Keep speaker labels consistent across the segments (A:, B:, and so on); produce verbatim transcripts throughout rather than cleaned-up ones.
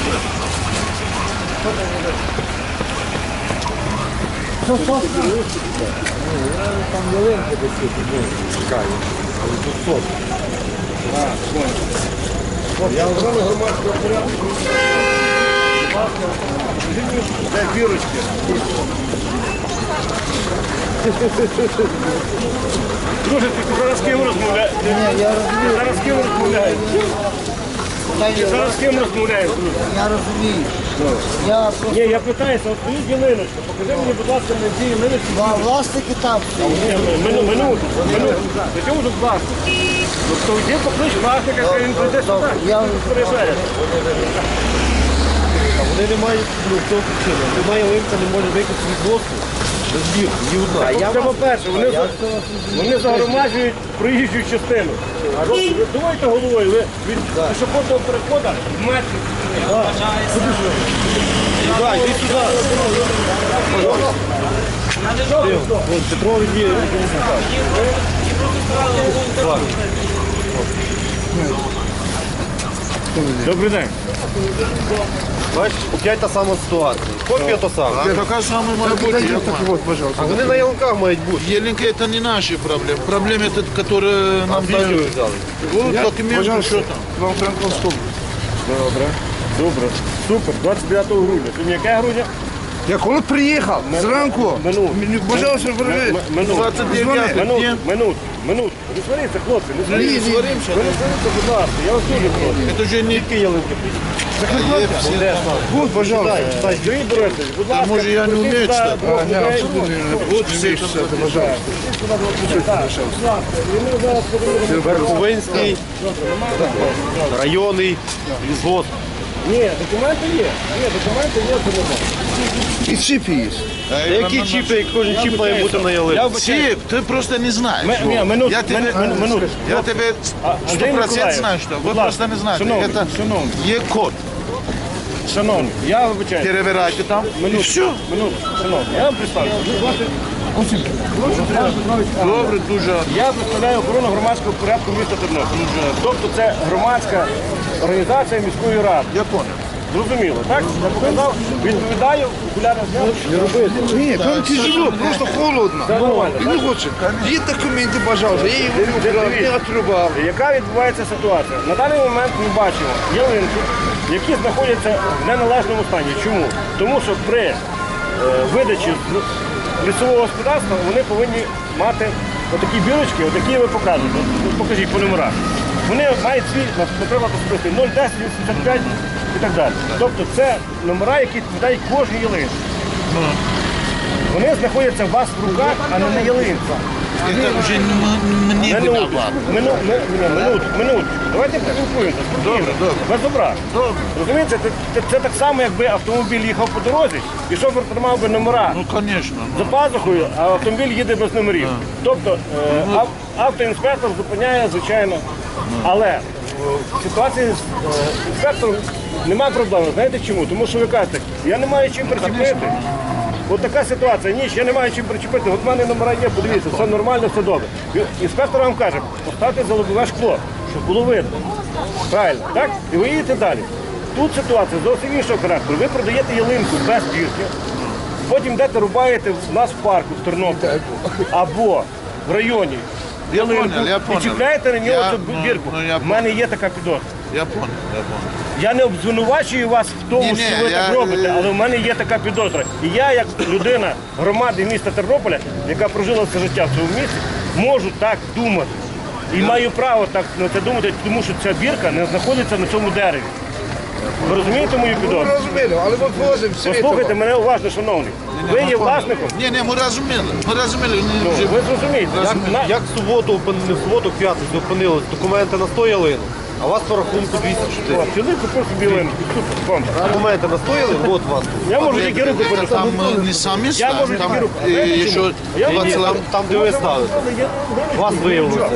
A: Що, що? Там ялинки десь чекаю. Тут сот. Я охорони громадського порядку. Де бірочки? Друже, ти зараз з ким розмовляєш? Зараз з ким розмовляєш? Ти зараз з ким розмовляєш, друже?
B: Я розумію. Я просто...
A: Ні, я питаюся, от стоїть ялиночка, покажи мені, будь ласка, на цій ялиночці.
B: Два власники там.
A: Ні, минуту, минуту, минуту. До чому тут власник? Тобто йди поклич власника, хай він прийде сюди.
B: Я
A: Переживає.
C: Вони не мають, ну, в тому причину. Немає ялинка, не може вийти з відносу. Збір, ні одна.
A: Це по-перше, вони, за- вони загромаджують проїжджу частину. А ви ви думаєте головою, ви від пішохідного переходу в метрі.
C: Так, йди сюди. Вон, Петрові є.
A: Добрий день.
C: Бачиш, опять та сама ситуація. Копія то сама.
D: Такая самая моя будет.
C: А вони на ялинках мають бути.
D: Еленька, это не наши проблемы. Проблемы, это, которые нам дают.
C: взяли.
D: Вот документы, что там.
A: Вам Франковську. Добре. Добре. Супер. двадцять дев'ятого грудня. Сьогодні яке грудня?
E: Я коли приїхав зранку,
A: Минут.
E: мені бажалося вернути.
A: Минут.
D: двадцять дев'ятого
A: Минут.
D: дня.
A: Минут. Минут. Не сваріться, хлопці. Не
D: Не
A: сваріться.
D: сваримся.
A: Ви не сваріться, будь ласка. Я вас дуже прошу.
D: Это же не...
A: Які ялинки?
E: Вот, пожалуйста.
A: Юрій Борисович, будь ласка.
D: може, я не вмію читати?
A: Вот все, пожалуйста.
C: Верховинський, районний, лісгосп.
A: Ні, документи є. Ні, документи є, це нормально.
E: І чіп є.
C: Які чіпи, як кожен чіп має бути на ялинці?
D: Чип, ты просто не знаешь.
A: Ми- ні, минут,
D: Я тебе,
A: мину- минуту.
D: я тебе
A: А,
D: сто
A: Андрій
D: процентов
A: Миколаївич,
D: знаю, что
A: будь
D: вы
A: ласка,
D: просто не знаете.
A: шановний,
D: Это
A: шановний.
D: Е-код.
A: Шановні, я вибачаю.
D: Перебирайте там. И
A: Минуту,
D: все.
A: минуту, шановні, я вам представлю.
D: Добре, дуже.
A: Я представляю охорону громадського порядку міста Тернопіль. Тобто це громадська організація міської ради.
D: Я понял.
A: Зрозуміло, так? Я показав, відповідаю, окуляри зняв. Не робити.
E: Ні, там тяжело, просто холодно.
A: Це нормально.
E: І не хочу. Є документи, пожалуйста, я їх вибрав, не отрубав.
A: Яка відбувається ситуація? На даний момент ми бачимо ялинки, які знаходяться в неналежному стані. Чому? Тому що при е, видачі з лісового господарства вони повинні мати отакі бірочки, отакі ви показуєте. От покажіть по номерах. Вони мають свій, наприклад, особистий нуль десять вісімдесят п'ять і так далі. Тобто це номера, які відповідають кожній ялинці. Вони знаходяться у вас в руках, а не на ялинці.
D: Это уже не м- мне
A: Минуту,
D: виноват.
A: мину, ми- ні, минуту, минуту. Давайте поспілкуємося. Добре,
D: добре.
A: Без образ.
D: Добре.
A: Розумієте, це, це, це так само, якби автомобіль їхав по дорозі, і шофер тримав би номера
D: Ну, конечно.
A: за пазухою, а автомобіль їде без номерів. Тобто е, ав- автоінспектор зупиняє, звичайно. Але в ситуації з е, інспектором немає проблеми. Знаєте чому? Тому що ви кажете, я не маю чим причепити. От така ситуація, ніч, я не маю чим причепити, от в мене номера є, подивіться, все нормально, все добре. Інспектор вам каже, поставте за лобове шкло, щоб було видно. Правильно, так? І ви їдете далі. Тут ситуація зовсім іншого характеру. Ви продаєте ялинку без бірки, потім йдете рубаєте в нас в парку в Тернополі або в районі ялинку
D: понял, я
A: і
D: понял.
A: чіпляєте на нього
D: Я-
A: цю
D: ну,
A: бірку.
D: ну, я
A: В мене є така підозра.
D: Я понял, я понял.
A: Я не обзвинувачую вас в тому,
D: Ні-ні,
A: що ви
D: я-
A: так робите, але в мене є така підозра. І я, як людина громади міста Тернополя, яка прожила все життя в цьому місті, можу так думати. І маю право так на це думати, тому що ця бірка не знаходиться на цьому дереві. Ви розумієте мою
E: Ну,
A: підозру?
E: розумію, але ми возимо
A: Послухайте мене уважно, шановний. Ви є власником?
D: Ні, ні, ми розуміли. Ми розуміли.
A: Ну,
D: Вже-
A: ви зрозумієте.
C: Як,
A: На-
C: як в суботу, опин- не в суботу, в п'ятницю опинились документи на сто ялинок, а у вас по рахунку двісті чотири.
A: Чоловік купив собі ялинку. Супер, бомба.
C: Документи на сто ялинок, от у вас.
A: Я можу тільки руку
D: Это
A: подати.
D: там э, не сами
A: Я можу
D: ставят, там
A: тільки руку.
D: э,
A: Знаєте
D: еще
A: чому? Я
D: два
A: можу-
D: целых.
C: Там, де ви ставите. Вас виявилося.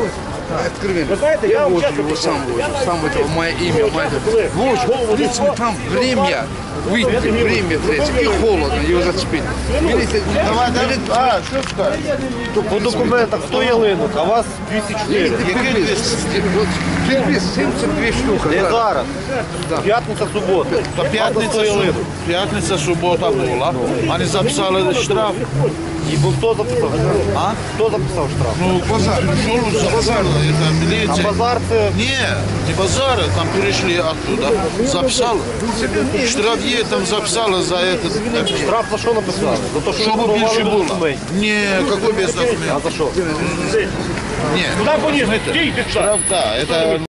E: Откровенно.
A: Ви знаєте, я вам
E: возле
A: чесно
E: его
A: кажу,
E: сам возле, сам этого, мое имя, мое.
A: коли
E: Вот, видите, вы там время, выйти, время третье, и холодно, его зацепить. Видите, давайте,
C: А, що скажеш? По документах сто ялинок, а у вас двісті чотири.
E: Який двісті? Вот, сімдесят дві штуки.
C: Не зараз. П'ятниця, субота.
D: Та п'ятниця, су- п'ятниця, субота була. Вони записали штраф.
C: І бо хто записав? А? Хто записав штраф?
D: Ну, базар. Школу записали, это
C: А
D: милиция.
C: базар це
D: Не, не базар, там перешли оттуда. Записали. Штраф є, там записали за этот.
C: штраф за що написали? За те, що
D: Щоб
C: ви
D: більше
C: порвали
D: було.
C: документ.
D: Ні, який без
C: А
D: документів.
C: за що?
D: Ні.
A: Куди поніс? Стійте, що?
D: Штраф, да, это